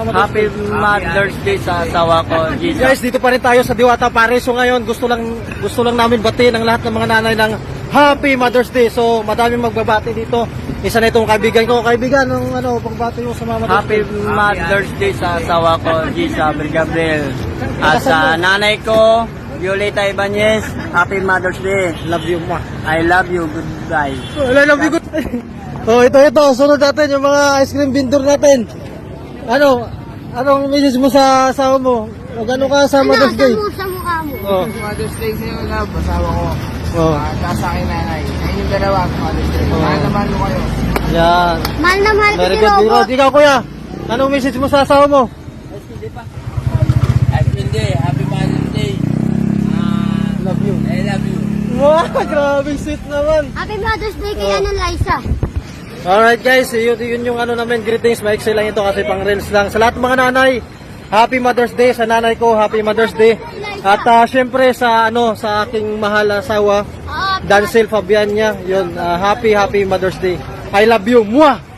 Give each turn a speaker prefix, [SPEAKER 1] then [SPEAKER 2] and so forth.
[SPEAKER 1] Happy Mother's Day sa asawa ko, Jesus.
[SPEAKER 2] Guys, dito pa rin tayo sa Diwata Pare. So ngayon, gusto lang namin batiin ang lahat ng mga nanay ng Happy Mother's Day. So madaming magbabati dito. Isa na itong kaibigan ko. Kaibigan, pagbati mo sa mga
[SPEAKER 1] Happy Mother's Day sa asawa ko, Jesus Gabriel. At sa nanay ko, Violeta Ibanez, Happy Mother's Day.
[SPEAKER 2] Love you, ma.
[SPEAKER 1] I love you, goodbye.
[SPEAKER 2] I love you, good. Oh, ito. Sunod natin yung mga ice cream vendor natin. Anong message mo sa asawa mo? Magano ka sa Mother's Day?
[SPEAKER 3] Sa mukha mo.
[SPEAKER 2] Oh.
[SPEAKER 4] Mother's Day sa'yo, love. Asawa ko.
[SPEAKER 2] Oh.
[SPEAKER 4] At sa akin, nanay. Ngayon yung dalawa, Mother's Day. Mahal na mahal mo kayo.
[SPEAKER 2] Yan.
[SPEAKER 3] Mahal na mahal ko
[SPEAKER 2] Very
[SPEAKER 3] si
[SPEAKER 2] good,
[SPEAKER 3] Robot.
[SPEAKER 2] Rod. Ikaw, kuya. Anong message mo sa asawa mo?
[SPEAKER 4] Happy Day. Happy Mother's Day.
[SPEAKER 2] Love you.
[SPEAKER 4] I love you.
[SPEAKER 2] Wow, grabe sweet naman.
[SPEAKER 3] Happy Mother's Day kay Anan Liza.
[SPEAKER 2] Alright guys, yun yung namin, greetings. Maiksi lang ito kasi pang reels lang. Sa lahat ng mga nanay, Happy Mother's Day. Sa nanay ko, Happy Mother's Day. At syempre sa aking mahal na asawa, Dancel Fabiania, yun, Happy Mother's Day. I love you. Mwah!